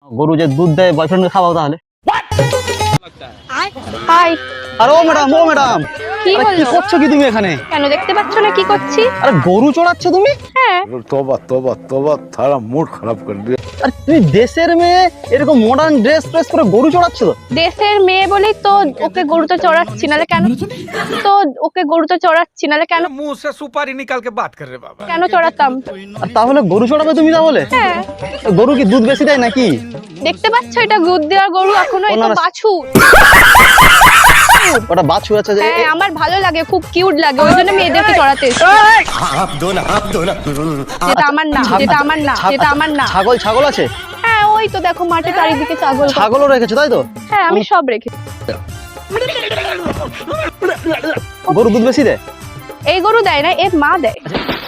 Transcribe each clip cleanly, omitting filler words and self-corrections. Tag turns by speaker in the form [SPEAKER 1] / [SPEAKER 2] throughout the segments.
[SPEAKER 1] গরু যে দুধ দেয় বয়ফ্রেন্ডকে খাওয়াও তাহলে।
[SPEAKER 2] হাই।
[SPEAKER 1] আরে ও ম্যাডাম, ও ম্যাডাম,
[SPEAKER 2] কি
[SPEAKER 1] কি
[SPEAKER 2] বললো?
[SPEAKER 1] করছো কি তুমি এখানে?
[SPEAKER 2] কেন দেখতে পাচ্ছ না কি করছি?
[SPEAKER 1] আরে গরু চড়াচ্ছ তুমি?
[SPEAKER 2] হ্যাঁ।
[SPEAKER 3] तौबा तौबा तौबा थारा मूड खराब कर दिया।
[SPEAKER 1] আর তুমি দেশের মেয়ে এরকম মডার্ন ড্রেস করে গরু চড়াচ্ছ?
[SPEAKER 2] দেশের মেয়ে বলেই তো ওকে গরুতে চড়াচ্ছি, নালে কেন? তো ওকে গরুতে চড়াচ্ছি, নালে কেন?
[SPEAKER 4] मुंह से सुपारी निकाल के बात कर रहे बाबा।
[SPEAKER 2] কেন চড়াতাম?
[SPEAKER 1] আর তাহলে গরু চড়াবে তুমি তাহলে?
[SPEAKER 2] হ্যাঁ।
[SPEAKER 1] গরু কি দুধ বেশি দেয় নাকি?
[SPEAKER 2] দেখতে পাচ্ছ এটা দুধ দেওয়ার গরু, এখনো
[SPEAKER 1] ও না,
[SPEAKER 2] এটা
[SPEAKER 1] না।
[SPEAKER 2] বাছুর।
[SPEAKER 1] ওটা বাছুর আছে যে
[SPEAKER 2] হ্যাঁ, আমার ভালো লাগে, খুব কিউট লাগে, ওই জন্য মেয়েদেরকে চড়াতে এসেছি। যেটা আমার না, যেটা আমার না, যেটা আমার না।
[SPEAKER 1] ছাগল আছে?
[SPEAKER 2] হ্যাঁ, ওই তো দেখো মাঠে চারিদিকে ছাগল।
[SPEAKER 1] ছাগলও রেখেছো তাই তো?
[SPEAKER 2] হ্যাঁ, আমি সব রেখেছি।
[SPEAKER 1] গরু দুধ বেশি দেয়?
[SPEAKER 2] এই গরু দেয় না, এর মা দেয়।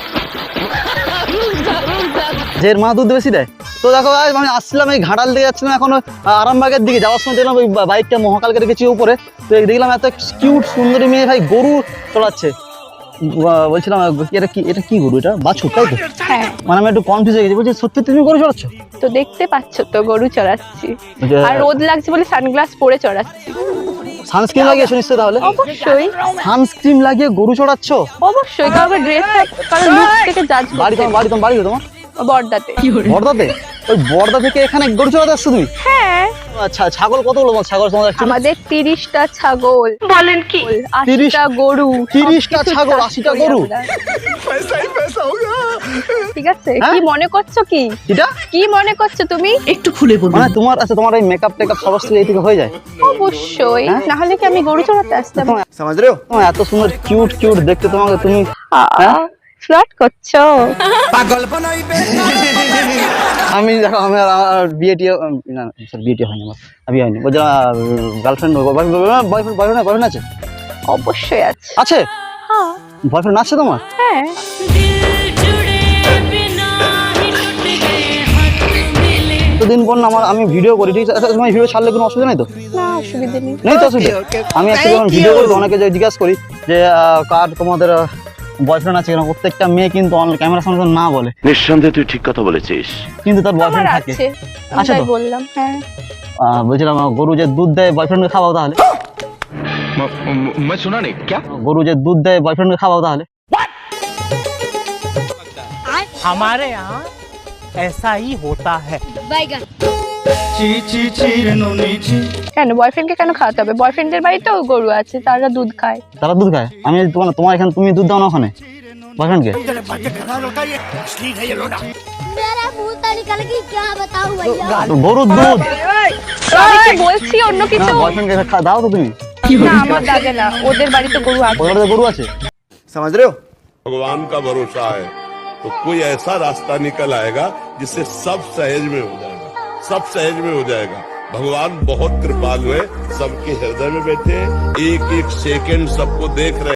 [SPEAKER 1] যে এর মা দুধ বেশি দেয়? তো দেখো আমি আসছিলাম এই ঘাটাল দিকে যাচ্ছিলাম, এখন আরামবাগের দিকে যাওয়ার সময় দেখলাম ওই বাইকটা মহাকালকে রেখেছি উপরে, তো দেখলাম এত কিউট সুন্দরী মেয়ে ভাই গরু চড়াচ্ছে। বলছিলাম এটা কি গরু? এটা বাছুর তাই তো?
[SPEAKER 2] হ্যাঁ।
[SPEAKER 1] মানে আমি একটু কনফিউজ হয়ে গেছি, বলছি সত্যি তুমি গরু চড়াচ্ছ?
[SPEAKER 2] তো দেখতে পাচ্ছ তো গরু চড়াচ্ছি,
[SPEAKER 1] যে-
[SPEAKER 2] আর রোদ লাগছে বলে সানগ্লাস পরে চড়াচ্ছি।
[SPEAKER 1] সানস্ক্রিন লাগিয়েছো নিশ্চয়ই তাহলে?
[SPEAKER 2] অবশ্যই
[SPEAKER 1] সানস্ক্রিন লাগিয়ে গরু চড়াচ্ছ?
[SPEAKER 2] অবশ্যই, কাউকে ড্রেস কারণ লুক থেকে জাজ
[SPEAKER 1] বাড়ি
[SPEAKER 2] করতে।
[SPEAKER 1] তোমার বাড়ি তোমার
[SPEAKER 2] বর্দাতে।
[SPEAKER 1] বর্দাতে? ওই বর্দা থেকে এখানে গরু চড়াতে আসছো তুমি?
[SPEAKER 2] হ্যাঁ,
[SPEAKER 1] আচ্ছা, ছাগল কতগুলো ছাগল তোমার actually?
[SPEAKER 2] আমাদের 30টা ছাগল। বলেন কি? 80টা গরু।
[SPEAKER 1] 30টা ছাগল, 80টা গরু?
[SPEAKER 2] ঠিক আছে,
[SPEAKER 1] হ্যাঁ?
[SPEAKER 2] কি মনে করছো কি?
[SPEAKER 1] এটা
[SPEAKER 2] কি মনে করছো তুমি?
[SPEAKER 5] একটু খুলে বলুন।
[SPEAKER 1] মানে তোমার আচ্ছা তোমার এই মেকআপ টেকআপ সমস্ত এই থেকে হয়ে যায়?
[SPEAKER 2] অবশ্যই,
[SPEAKER 1] হ্যাঁ?
[SPEAKER 2] না হলে কি আমি গরু চড়াতে আসতাম?
[SPEAKER 1] समझ रहे हो? তোমার এত সুন্দর কিউট দেখতে তোমাকে, তুমি হ্যাঁ?
[SPEAKER 2] ফ্লার্ট করছো?
[SPEAKER 1] আমি দেখো আমার বিয়ে না স্যার বিয়ে হয়নি, আমার বিয়ে হয়নি। বলছি গার্লফ্রেন্ড বয়ফ্রেন্ড আছে?
[SPEAKER 2] অবশ্যই আছে।
[SPEAKER 1] আছে?
[SPEAKER 2] হ্যাঁ।
[SPEAKER 1] বয়ফ্রেন্ড আছে তোমার?
[SPEAKER 2] হ্যাঁ।
[SPEAKER 1] দিন পর না আমি ভিডিও করি, ঠিক আছে? তোমার ভিডিও ছাড়লে কোনো অসুবিধা নেই তো?
[SPEAKER 2] না, অসুবিধা নেই।
[SPEAKER 1] নেই তো অসুবিধা? আমি একটা যখন ভিডিও করি অনেকে যে জিজ্ঞাসা করি যে কার তোমাদের বয়ফ্রেন্ড আছে কিনা, প্রত্যেকটা মেয়ে কিন্তু ক্যামেরার সামনে না বলে।
[SPEAKER 6] নিঃসন্দেহে তুই ঠিক কথা বলেছিস।
[SPEAKER 1] কিন্তু তার
[SPEAKER 2] আমার
[SPEAKER 1] বয়ফ্রেন্ড থাকে।
[SPEAKER 2] আছে,
[SPEAKER 1] আছে
[SPEAKER 2] তাই
[SPEAKER 1] তো?
[SPEAKER 2] বললাম। হ্যাঁ।
[SPEAKER 1] বলছিলাম গরু যে দুধ দেয় বয়ফ্রেন্ডকে খাওয়াও তাহলে।
[SPEAKER 4] मैं सुना नहीं क्या?
[SPEAKER 1] গরু যে দুধ দেয় বয়ফ্রেন্ডকে খাওয়াও তাহলে।
[SPEAKER 7] हमारे यहाँ ऐसा ही होता है।
[SPEAKER 2] কেন বয়ফ্রেন্ডকে কেন খাওয়াতে হবে? বয়ফ্রেন্ডের বাড়িতেও গরু আছে, তারা দুধ খায়।
[SPEAKER 1] তারা দুধ খায়? আমি তোমার এখানে তুমি দুধ দাও না ওখানে বয়ফ্রেন্ডকে?
[SPEAKER 8] मेरा मुंह तो निकल गई, क्या बताऊं भैया।
[SPEAKER 1] গরুর দুধ
[SPEAKER 2] আমি কি বলছি অন্য
[SPEAKER 1] না,
[SPEAKER 2] কিছু?
[SPEAKER 1] বয়ফ্রেন্ডকে দাও তো তুমি।
[SPEAKER 2] না, আমার দাদা না, ওদের বাড়িতে গরু আছে।
[SPEAKER 1] ওদের বাড়িতে গরু আছে?
[SPEAKER 3] समझ रहे हो?
[SPEAKER 9] भगवान का भरोसा है तो कोई ऐसा रास्ता निकल आएगा जिससे सब सहज में हो जाएगा, सब सहज में हो जाएगा। भगवान बहुत कृपालु है, सबके हृदय में बैठे हैं, एक एक सेकंड सबको देख रहे हैं।